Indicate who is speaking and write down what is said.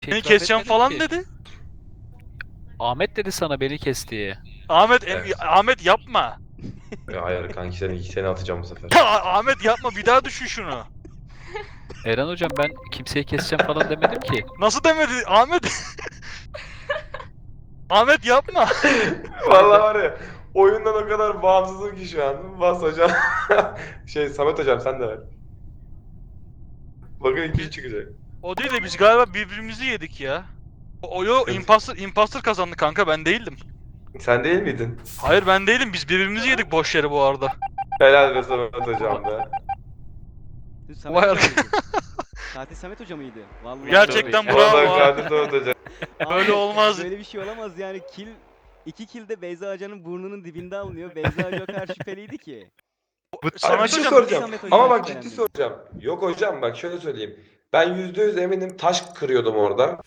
Speaker 1: Şey
Speaker 2: Beni
Speaker 1: itiraf
Speaker 2: keseceğim
Speaker 1: etmedim
Speaker 2: falan
Speaker 1: ki.
Speaker 2: dedi.
Speaker 1: Ahmet dedi sana beni kes diye.
Speaker 3: Evet.
Speaker 2: Ahmet yapma.
Speaker 3: Hayır kanki seni atacağım bu sefer.
Speaker 2: Ya Ahmet yapma, bir daha düşün şunu.
Speaker 1: Eren hocam ben kimseyi keseceğim falan demedim ki.
Speaker 2: Nasıl demedi Ahmet? Ahmet yapma.
Speaker 1: Hayır
Speaker 3: Vallahi
Speaker 1: ben
Speaker 3: var ya, oyundan o kadar bağımsızım ki şu an. Bas hocam. Samet hocam sen de ver. Bakın ikinci
Speaker 2: Biz,
Speaker 3: çıkacak.
Speaker 2: o değil de biz galiba birbirimizi yedik ya. Yo,
Speaker 3: Sıkıntı.
Speaker 2: imposter kazandı kanka, ben değildim.
Speaker 3: Sen değil miydin?
Speaker 2: Hayır, ben değilim, biz birbirimizi yedik boş yere bu arada.
Speaker 3: Helal be Samet hocam
Speaker 1: Va-
Speaker 3: be.
Speaker 4: Samet
Speaker 2: Vay
Speaker 4: Hoca
Speaker 2: arkadaş.
Speaker 4: mıydı? Katil Samet Hoca mıydı? Vallahi
Speaker 1: Tabii.
Speaker 2: Gerçekten
Speaker 4: bravo.
Speaker 2: bravo
Speaker 3: Vallahi
Speaker 2: ha.
Speaker 3: katil Samet hocam.
Speaker 2: Böyle
Speaker 4: Abi
Speaker 2: olmaz.
Speaker 4: böyle bir şey olamaz yani iki kill de Beyza Hoca'nın burnunun dibinde alınıyor. Beyza Hoca o kadar şüpheliydi ki.
Speaker 3: Abi bir
Speaker 2: Samet
Speaker 3: şey
Speaker 2: hocam,
Speaker 4: Nasıl
Speaker 3: soracağım.
Speaker 4: Samet
Speaker 3: Ama
Speaker 4: Hoca'dan
Speaker 3: bak ciddi
Speaker 4: şüphelendin?
Speaker 3: soracağım. Yok hocam bak şöyle söyleyeyim. Ben %100 eminim taş kırıyordum orada.